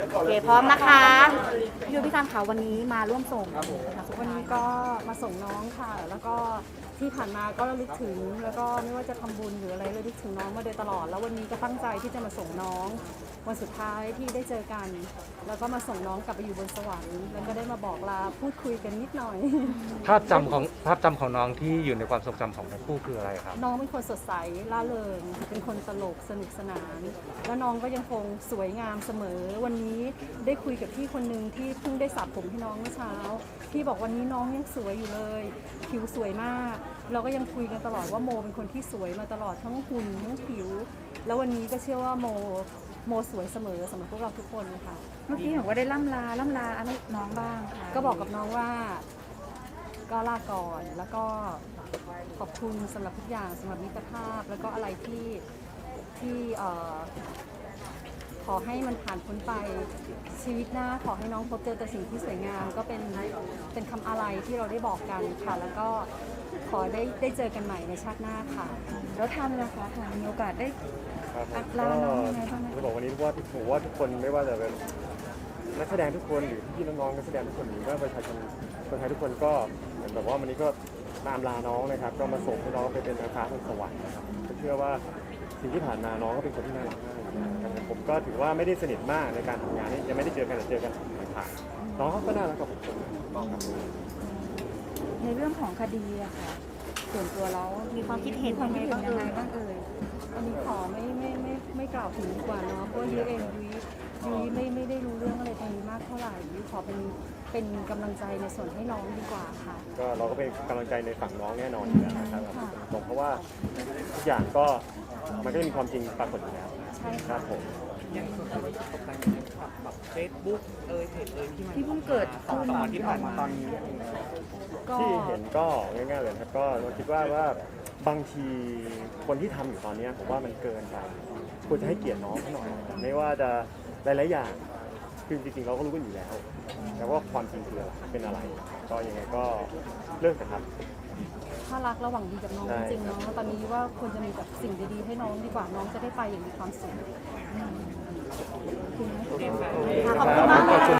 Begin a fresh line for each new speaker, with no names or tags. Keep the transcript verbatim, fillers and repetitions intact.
โอเคพร้อมนะคะพี่ยูพี่การค่ะวันนี้มาร่วมส่งนะคะวันนี้ก็มาส่งน้องค่ะ แล้วก็ที่ผ่านมาก็ระลึกถึงแล้วก็ไม่ว่าจะทำบุญหรืออะไรระลึกถึงน้องมาโดยตลอดแล้ววันนี้ก็ตั้งใจที่จะมาส่งน้องวันสุดท้ายที่ได้เจอกัน แล้วก็มาส่งน้องกลับไปอยู่บนสวรรค์แล้วก็ได้มาบอกลาพูดคุยกันนิดหน่อย
ภาพจำของภาพจำของน้องที่อยู่ในความทรงจำของทั้งคู่คืออะไรครับ
น้องเป็นคนสดใสร่าเริงเป็นคนตลกสนุกสนาน แล้วน้องก็ยังคงสวยงามเสมอวันนี้ได้คุยกับพี่คนหนึ่งที่เพิ่งได้สระผมให้น้องเมื่อเช้าพี่บอกวันนี้น้องยังสวยอยู่เลยผิวสวยมากเราก็ยังคุยกันตลอดว่าโมเป็นคนที่สวยมาตลอดทั้งหุ่นทั้งผิว แล้ววันนี้ก็เชื่อว่าโมโมสวยเสมอสำหรับพวกเราทุกคนค่ะ
เมื่อกี้บอกว่าได้ล่ำลาล่ำลาอะไรน้องบ้างค่ะ
ก็บอกกับน้องว่าก็ลาก่อนแล้วก็ขอบคุณสำหรับทุกอย่างสำหรับมิตรภาพแล้วก็อะไรที่ที่เอ่อขอให้มันผ่านพ้นไปชีวิตหน้าขอให้น้องพบเจอแต่สิ่งที่สวยงามก็เป็นเป็นคำอะไรที่เราได้บอกกันค่ะแล้วก็ขอได้ได้เจอกันใหม่ในชาติหน้าค่ะ
แล้วทำนะคะค่ะมีโอกาสได้
ครับผม
ลาน้องยังไงบ้างไหม
จะบอกวันนี้ว่าผมว่าทุกคนไม่ว่าจะเป็นนักแสดงทุกคนหรือพี่น้องๆนักแสดงทุกคนหรือว่าประชาชนคนไทยทุกคนก็เหมือนแบบว่าวันนี้ก็ตามลาน้องนะครับ ก็มาส่งให้น้องไปเป็นนางฟ้าบนสวรรค์นะครับก็เชื่อว่าสิ่งที่ผ่านมาน้องก็เป็นคนที่น่ารักมากนะครับผมก็ถือว่าไม่ได้สนิทมากในการทำงานนี่ยังไม่ได้เจอกันแต่เจอกันผ่านๆน้องเขาก็น่ารักกับผมต้องครับ
ในเรื่องของคดีอะค่ะส่วนตัวเรามี
มีความคิดเห็น
ความ
ยัง
คิ
ไง
ดเห็น
บ้าง
ยัง
เอ่ย
ไงบ้างเอ่ย
อันนี้ขอไม่ไม่ไม่ไม่กล่าวถึงดีกว่าเนาะเพราะยุ้ยเองยุ้ยยุ้ยไม่ไม่ได้รู้เรื่องอะไรตรงนี้มากเท่าไหร่ยุ้ยขอเป็นเป็นกำลังใจในส่วนให้น้องดีกว่าค่ะ
ก็เราก็เป็นกำลังใจในฝั่งน้องแน่นอนอยู่แล้วนะครับผมเพราะว่าทุกอย่างก็มันก็จะมีความจริงปรากฏอยู่แล้ว
ใช่
ครั
ค่ะ
บผม
อย่างส่วนตัวที่ตกแต่งกับแบบเฟซบุ๊กเอยเพจเอยที่มัน
ที่เพิ่งเกิด
สอง
ขึ้น
สามวันที่ผ่านมาตอนนี้
ก็
ที่เห็นก็ง่ายๆเลยครับก็เราคิดว่าว่าบางทีคนที่ทำอยู่ตอนนี้ผมว่ามันเกินไปควรจะให้เกียรติน้องเขาหน่อยไม่ว่าจะหลายๆอย่างคือจริงๆเราก็รู้กันอยู่แล้ว แต่ว่าความจริงคืออะไรเป็นอะไร ก็ยังไงก็เลิกนะครับ
ถ้ารักระหว่างดีกับน้อง
ใช่
จริงๆเนาะตอนนี้ว่าควรจะมีแบบสิ่งดีๆให้น้องดีกว่าน้องจะได้ไปอย่างมีความสุข
คุณ
ค่ะขอบคุณมากค่ะ